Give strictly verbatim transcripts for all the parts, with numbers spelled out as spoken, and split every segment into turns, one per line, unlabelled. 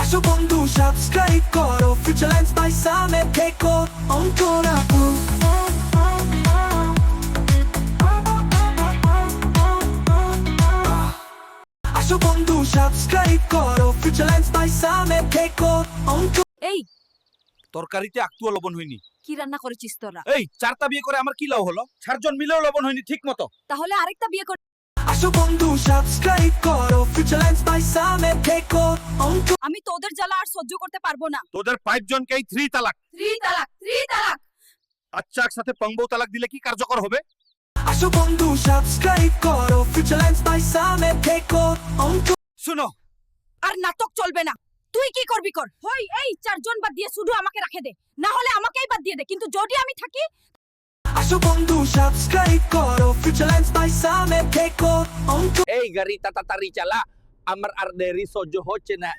আসো বন্ধু সাবস্ক্রাইব করো ফিউচার লেন্স বাই সামে থেকো অন্তরাপু আসো বন্ধু সাবস্ক্রাইব করো ফিউচার লেন্স বাই সামে থেকো অন্ত
এই
তরকারিতে একটুও লবণ হয়নি।
কি রান্না করেছিস তোরা?
এই চারটা বিয়ে করে আমার কি লাভ হলো? চারজন মিলেও লবণ হয়নি ঠিক মতো।
তাহলে আরেকটা বিয়ে কর।
আসো বন্ধু সাবস্ক্রাইব করো ফিউচার লেন্স বাই সামে থেকো অন্ত
আমি তোদের জ্বালা আর সহ্য করতে পারবো না।
তোদের পাঁচ জনকেই থ্রি তালাক।
থ্রি তালাক, থ্রি তালাক।
আচ্ছা একসাথে পঙ্গো তালাক দিলে কি কার্যকর হবে?
আসো বন্ধু সাবস্ক্রাইব করো ফিউচার লেন্স বাই সামে থেকো অন্ত
শুনো,
আর নাটক চলবে না। তুই কি করবি কর। হই এই চারজন বাদ দিয়ে শুধু আমাকে রাখে দে, না হলে আমাকেই বাদ দিয়ে দে। কিন্তু যদি আমি থাকি,
আসো বন্ধু সাবস্ক্রাইব করো ফিউচার লেন্স বাই সামে থেকো অন্ত
এই গাড়ি তাড়াতাড়ি চালা, আমার আর দেরি সহ্য হচ্ছে না।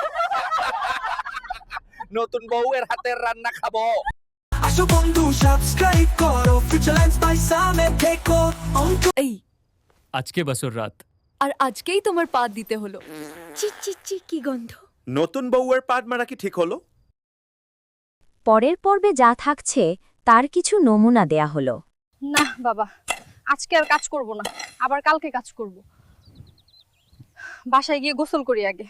নতুন বউয়ের হাতের রান্না খাবো।
আসো বন্ধু সাবস্ক্রাইব করো ফিউচার লেন্স বাই সামে থেকো অন্ত
এই
আজকে বছর রাত
আর আজকেই তোমার পা দিতে হলো। চি চি চি কি গন্ধ।
নতুন বউয়ের পাট মারা কি ঠিক হলো?
পরের পর্বে যা থাকছে তার কিছু নমুনা দেয়া হলো।
না বাবা, আজকে আর কাজ করব না, আবার কালকে কাজ করব। বাসায় গিয়ে গোসল করি আগে।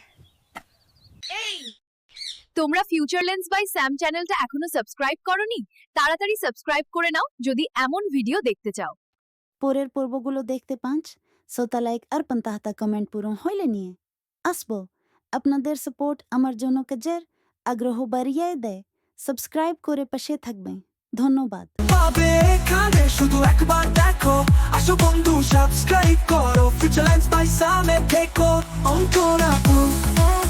তোমরা ফিউচার লেন্স বাই স্যাম চ্যানেলটা এখনো সাবস্ক্রাইব করনি? তাড়াতাড়ি সাবস্ক্রাইব করে নাও যদি এমন ভিডিও দেখতে চাও।
পরের পর্বগুলো দেখতে পাঁচ সোতা লাইক আর পঞ্চাশটা কমেন্ট পূরণ হইলে নিয়ে আসবো। আপনাদের সাপোর্ট আমার জন্য কাজের আগ্রহ বাড়িয়ে দেয়। সাবস্ক্রাইব করে পাশে থাকবেন। ধন্যবাদ।
পাবে এখানে শুধু একবার দেখো। আসো বন্ধু সাবস্ক্রাইব করো ফিউচার লেন্স বাই সামে থেকো অন্তরাপু